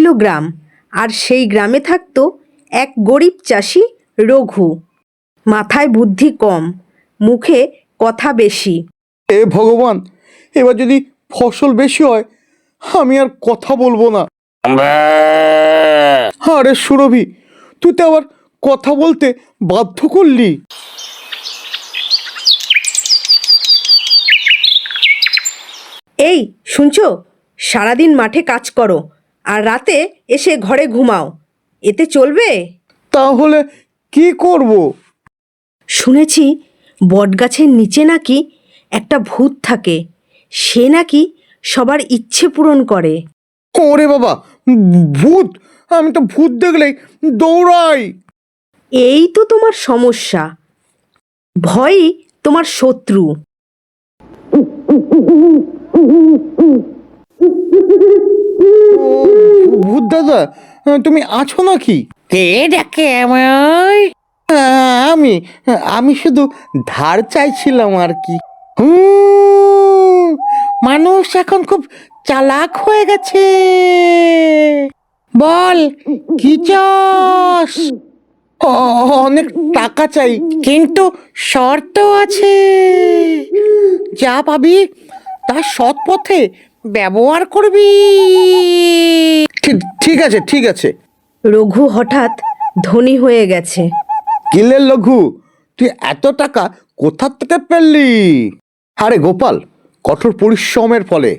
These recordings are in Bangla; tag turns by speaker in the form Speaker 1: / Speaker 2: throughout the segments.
Speaker 1: গ্রাম, আর সেই গ্রামে থাকতো এক গরিব চাষি রঘু। মাথায় বুদ্ধি কম, মুখে কথা বেশি।
Speaker 2: এ ভগবান, এবার যদি ফসল বেশি হয় আমি আর কথা বলবো না। আরে সুরভি, তুই তো আবার কথা বলতে বাধ্য করলি।
Speaker 1: এই শুনছো, সারাদিন মাঠে কাজ করো আর রাতে এসে ঘরে ঘুমাও, এতে চলবে?
Speaker 2: তাহলে কি করব?
Speaker 1: শুনেছি বটগাছের নিচে নাকি একটা ভূত থাকে, সে নাকি সবার ইচ্ছে পূরণ করে।
Speaker 2: ওরে বাবা, ভূত! আমি তো ভূত দেখলেই দৌড়াই।
Speaker 1: এই তো তোমার সমস্যা, ভয়ই তোমার শত্রু।
Speaker 2: ভূত দাদা, তুমি আছো নাকি?
Speaker 3: কে ডাকে আমায়?
Speaker 2: আমি আমি শুধু ধার চাইছিলাম আর কি। হুম,
Speaker 3: মানুষ এখন খুব চালাক হয়ে গেছে। বল, কি চাস?
Speaker 2: অনেক টাকা চাই।
Speaker 3: কিন্তু শর্ত আছে, যা পাবি তা সৎ পথে ব্যবহার করবি।
Speaker 2: ঠিক আছে, ঠিক আছে।
Speaker 1: রঘু হঠাৎ ধনী হয়ে গেছে।
Speaker 2: কিলে লঘু, তুই এত টাকা কোথা থেকে পেলি? আরে গোপাল, কঠোর পরিশ্রমের ফলে।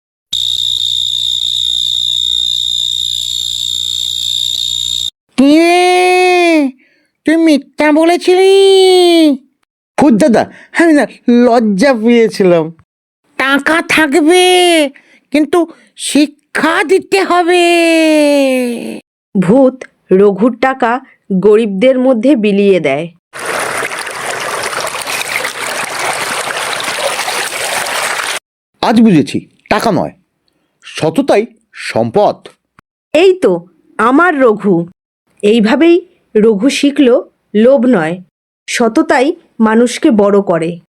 Speaker 3: কি রে, তুই মিথ্যা বলেছিলি?
Speaker 2: ভূত দাদা, আমি না লজ্জা পেয়েছিলাম।
Speaker 3: টাকা থাকবে, কিন্তু শিক্ষা দিতে হবে।
Speaker 1: ভূত রঘুর টাকা গরিবদের মধ্যে বিলিয়ে দেয়।
Speaker 2: আজ বুঝেছি, টাকা নয়, সততাই সম্পদ।
Speaker 1: এই তো আমার রঘু। এইভাবেই রঘু শিখল লোভ নয়, সততাই মানুষকে বড় করে।